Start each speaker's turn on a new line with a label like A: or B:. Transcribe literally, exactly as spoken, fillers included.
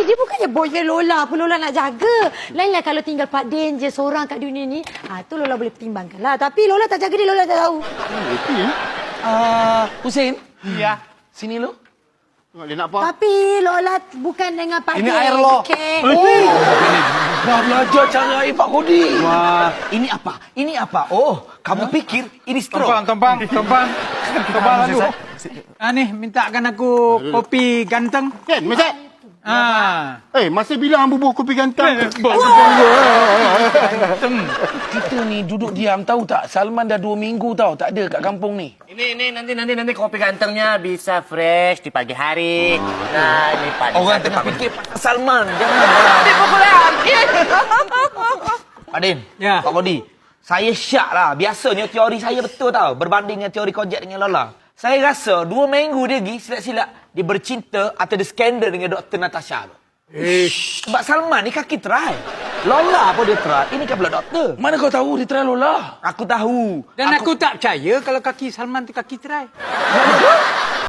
A: Eh, dia bukannya boyfriend Lola pun Lola nak jaga. Lainlah kalau tinggal Pak Den je seorang kat dunia ni. Ha, tu Lola boleh pertimbangkan lah. Tapi Lola tak jaga dia, Lola tak tahu.
B: Betul ya?
C: Ah, Hussein.
D: Ya.
C: Sini lu.
B: Tengok dia nak apa?
A: Tapi Lola bukan dengan Pak
C: Ini
A: Den.
C: air lo.
A: Okay.
C: Oh. Dah belajar cara air Pak Kodi.
D: Wah, ini apa? Ini apa? Oh, kamu pikir ini straw?
E: Tompang, tompang, tompang. Tompang lalu. Ah, ni, mintakan aku kopi ganteng.
B: Kan, Macam?
E: Ah.
B: Eh, masih bilang bubuh kopi ganteng.
C: Kita ni duduk diam tahu tak? Salman dah dua minggu tahu tak ada kat kampung ni.
D: Ini, ini, nanti, nanti, nanti kopi gantengnya bisa fresh di pagi hari. Nah, ini pagi.
C: Orang tengah fikir pasal Salman. Jangan.
D: Ini populer.
C: Pak Din.
E: Ya.
C: Pak Kodi. Saya syak lah. Biasanya teori saya betul tau. Berbanding dengan teori kojek dengan Lola. Saya rasa dua minggu dia pergi silap-silap. Dia bercinta atau dia skandal dengan Doktor Natasha tu. Ish. Sebab Salman ni kaki try. Lola pun dia try. Ini kan pula doktor.
F: Mana kau tahu dia try Lola?
C: Aku tahu.
E: Dan aku, aku tak percaya kalau kaki Salman tu kaki cerai.
C: Mana?